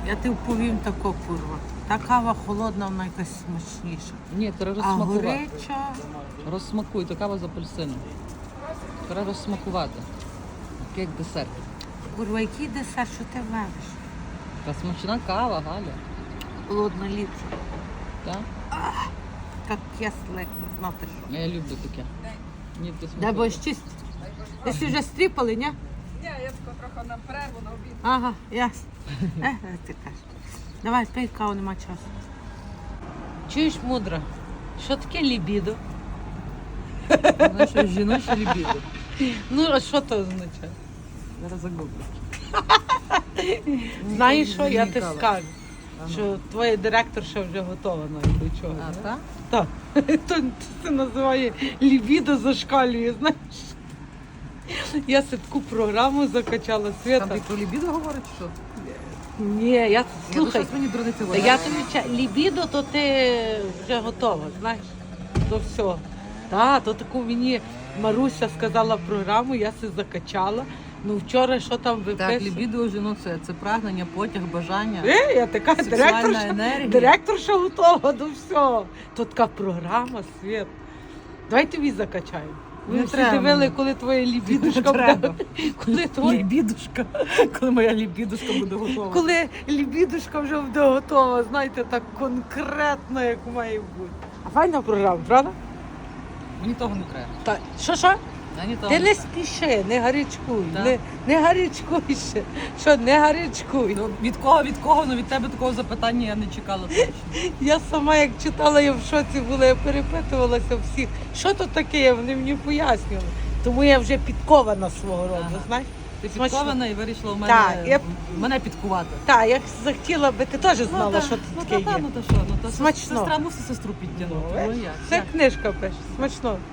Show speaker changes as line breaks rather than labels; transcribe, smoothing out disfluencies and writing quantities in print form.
Я ти повім тако, курва. Та кава холодна, вона якась смачніша.
Ні, треба
А
розсмакувати.
гореча,
Розсмакуй, то кава з апельсином. Треба розсмакувати. Як десерт.
курва, який десерт, що ти вариш?
Та смачна кава, Галя.
Холодна ліпша.
Так?
Як кисле, як не знати що.
Я люблю таке. Ні, ти
Дай
смакуй.
бо чисть. Ви всі вже стріпали, ні?
Ні, я тако трохи на перерву на обід.
Ага, ясно. Ти кажеш. Давай, пий каву, нема часу. Чуєш, мудра, що таке лібідо?
Знаєш, що жіноче лібідо.
Ну, а що це означає?
Зараз загуглю.
Знаєш що, я
Мені
ти
кава.
скажу,
Ага.
що твоя директорша вже готова навіть до чого.
А, так?
Так. То це називає лібідо зашкалює, знаєш. Я себе таку програму закачала,
Там
Свята.
ти про лібідо говорить, що?
Ні, я слухай.
Щось мені дурниці
Та
говорить.
я тобі лібідо, то ти вже готова, знаєш, до всього. Так, то таку мені Маруся сказала програму, я се закачала. Ну вчора що там виписувала?
Так, лібідо у жінок це прагнення, потяг, бажання.
Я така
Сексуальна енергія.
директорша готова до всього. То така програма, Світ. Давай тобі закачаємо. Ви
Не
всі
треба
дивили,
мені.
коли твоя лібідушка
Не треба.
буде. Коли твоя
Лібідушка. Коли моя лібідушка буде готова.
коли лібідушка вже буде готова, знаєте, так конкретно, як має бути. А файна програма, правда?
Мені того не треба.
Так, що?
Мені того
Ти
не
не
треба.
спіши, не гарячкуй,
Так.
не гарячкуй ще. Що, не гарячкуй.
Ну, від кого, ну від тебе такого запитання я не чекала точно.
Я сама як читала, я в шоці була, я перепитувалася всіх, що тут таке, вони мені пояснювали. Тому я вже підкована свого роду,
Ага.
знаєш?
Ти
Смачно.
підкована і вирішила в
Так,
мене,
я-
мене підкувати.
Так, я захотіла би, ти теж знала, що
ну,
тут таке
та,
є.
ну то що, ну то
Смачно.
сестра мусить сестру підтягнути. Ну, як?
Це
Як?
книжка пише, смачно.